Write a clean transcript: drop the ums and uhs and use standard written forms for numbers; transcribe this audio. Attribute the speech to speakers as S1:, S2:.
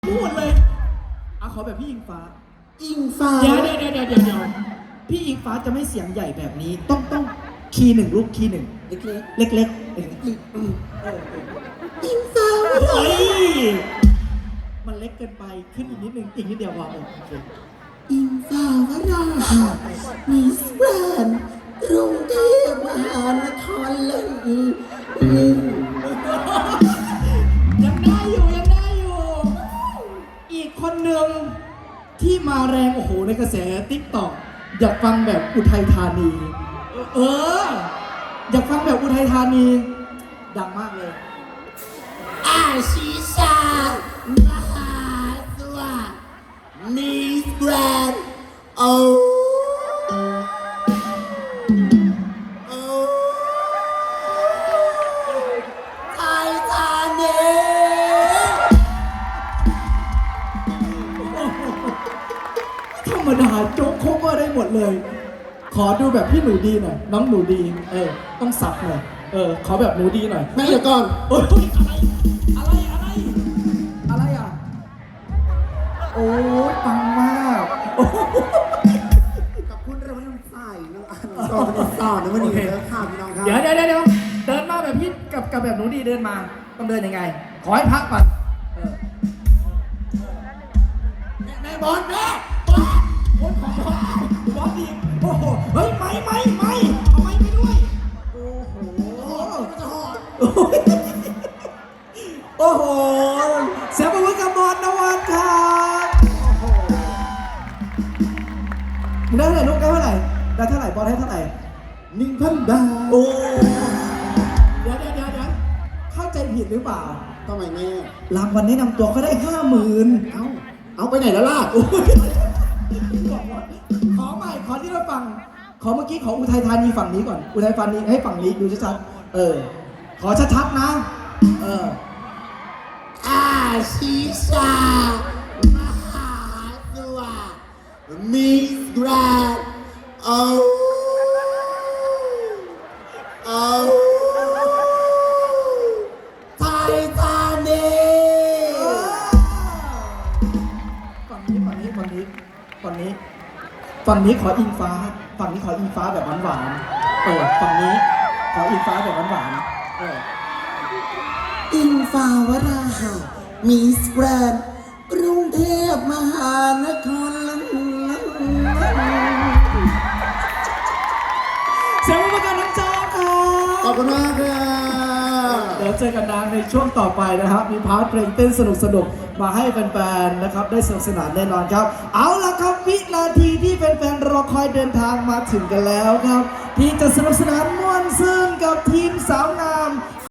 S1: พูดเลยขอแบบพี่อิงฟ้าเดี๋ยวพี่อิงฟ้าจะไม่เสียงใหญ่แบบนี้ต้องคีย์หนึ่งลูกคีย์หนึ่งเล็กอิงฟ้าเฮ้ยมันเล็กเกินไปขึ้นอีกนิดนึงอีกนิดเดียวพอโอเค
S2: อิงฟ้าวรามิสแกรนด์กรุงเทพมหานครเลย
S1: ยังได้อยู่อีกคนหนึ่งที่มาแรงโอ้โหในกระแสติ๊กต็อกอยากฟังแบบอุทัยธานีอยากฟังแบบอุทัยธานีดังมากเลย
S2: อาชิชามหาสวัสดิ์มิสแกรนด์ไทยธานี
S1: ธรรมดาโจ๊กโคเวอร์ได้หมดเลยขอดูแบบพี่หนูดีหน่อยน้องหนูดีต้องสับหน่อยขอแบบหนูดีหน่อย
S2: ไม่เดี๋ยวก่อน
S1: อะไรอ่ะโอ้ยปังมาก
S2: กับคุณเราไม่ต้องใส่น้องอันต่อนะวันนี้แล้วข่าวพี่น้องครับ
S1: เดี๋ยวเดินมาแบบพี่กับแบบหนูดีเดินมาต้องเดินยังไงขอให้พักก่อน
S2: แม่บอล
S1: คนของบอสดีโอ้โหเฮ้ยไม่เอาไม้ไปด้วยโอ้โหเสียงปรบมือกับบอลนวัดครับได้เท่าไหร่ลูกได้เท่าไหร่บอลให้เท่าไหร่
S2: 1,000 บาท
S1: โอ้เดี๋ยวเข้าใจผิดหรือเปล่า
S2: ทำไมแม่
S1: รางวัลแนะนำตัวก็ได้ 50,000
S2: เอาไปไหนแล้วล่ะ
S1: ขอใหม่ขอที่เราฟังขอเมื่อกี้ขออุทัยธานีฝั่งนี้ก่อนอุทัยธานีให้ฝั่งนี้ดูชัดๆขอชัดๆนะ
S2: อาชิชามหาสวัสดิ์มิสแกรนด์ไทยธานี
S1: ฝั่งนี้ขออิงฟ้าฝั่งนี้ขออิงฟ้าแบบหวานฝั่งนี้ขออิงฟ้าแบบหวาน
S2: อิงฟ้าวราหะมิสแกรนด์กรุงเทพมหานคร
S1: เสียงประกันน้ำจอครับ
S2: ขอบคุณมากครับ
S1: เดี๋ยวเจอกันในช่วงต่อไปนะครับมีพาร์ทเพลงเต้นสนุกมาให้แฟนๆนะครับได้สนุกสนานแน่นอนครับเอาละครับวินาทีที่แฟนๆรอคอยเดินทางมาถึงกันแล้วครับที่จะสนุกสนานม่วนซื่นกับทีมสาวงาม